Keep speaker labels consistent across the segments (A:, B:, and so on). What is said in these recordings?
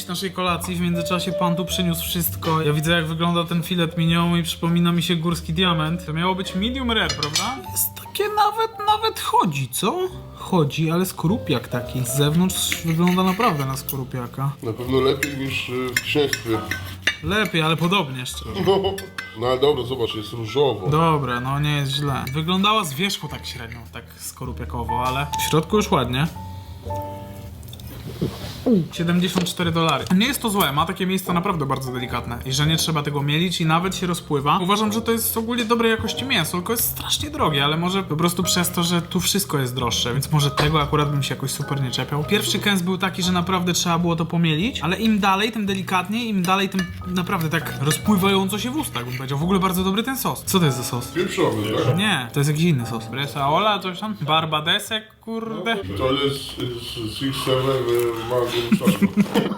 A: część naszej kolacji. W międzyczasie pan tu przyniósł wszystko. Ja widzę, jak wygląda ten filet mignon i przypomina mi się górski diament. To miało być medium rare, prawda? Jest takie nawet chodzi, co? Chodzi, ale skorupiak taki. Z zewnątrz wygląda naprawdę na skorupiaka.
B: Na pewno lepiej niż w księstwie.
A: Lepiej, ale podobnie szczerze.
B: No ale dobra, zobacz, jest różowo.
A: Dobra, no nie jest źle. Wyglądała z wierzchu tak średnio, tak skorupiakowo, ale w środku już ładnie. $74. Nie jest to złe, ma takie miejsca naprawdę bardzo delikatne i że nie trzeba tego mielić i nawet się rozpływa. Uważam, że to jest ogólnie dobrej jakości mięso, tylko jest strasznie drogie, ale może po prostu przez to, że tu wszystko jest droższe, więc może tego akurat bym się jakoś super nie czepiał. Pierwszy kęs był taki, że naprawdę trzeba było to pomielić, ale im dalej, tym delikatniej, im dalej, tym naprawdę tak rozpływająco się w ustach, bym powiedział. W ogóle bardzo dobry ten sos. Co to jest za sos?
B: Pieprzowy, tak?
A: Nie, to jest jakiś inny sos. Bresaola, coś tam? Barbadesek, kurde.
B: To jest 6-7 mango musztardu.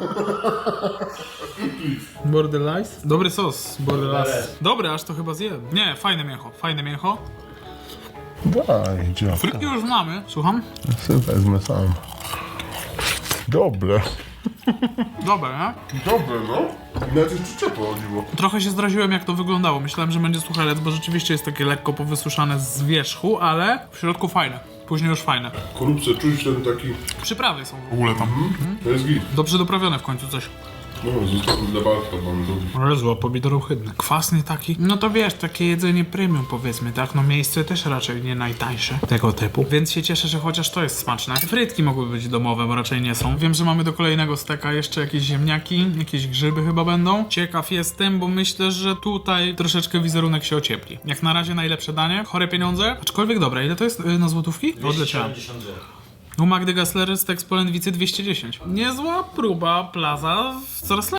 A: Borderlice? Dobry sos, borderlice. Dobry, aż to chyba zjem. Nie, fajne mięcho, fajne mięcho.
C: Daj, działa.
A: Frytki już mamy, słucham?
C: Ja sobie wezmę sam. Dobre.
A: Dobre, nie?
B: Dobre, no. I nawet jest przyczepa o dziwo.
A: Trochę się zdraziłem, jak to wyglądało. Myślałem, że będzie suchelec, bo rzeczywiście jest takie lekko powysuszane z wierzchu, ale w środku fajne. Później już fajne.
B: Korupce, czuć ten taki...
A: Przyprawy są w ogóle tam.
B: To jest git.
A: Dobrze doprawione w końcu coś.
B: No, zostawmy dla Bartka, mamy drugi.
A: Jezu, a pomidor ohydny. Kwasny taki. No to wiesz, takie jedzenie premium powiedzmy, tak? No miejsce też raczej nie najtańsze tego typu. Więc się cieszę, że chociaż to jest smaczne. Frytki mogły być domowe, bo raczej nie są. Wiem, że mamy do kolejnego steka jeszcze jakieś ziemniaki, jakieś grzyby chyba będą. Ciekaw jestem, bo myślę, że tutaj troszeczkę wizerunek się ociepli. Jak na razie najlepsze danie. Chore pieniądze. Aczkolwiek dobra, ile to jest na złotówki? Odleciałem.
D: 270 zł.
A: U Magdy Gessler z Polędwicy 210. Niezła próba Plaza, coraz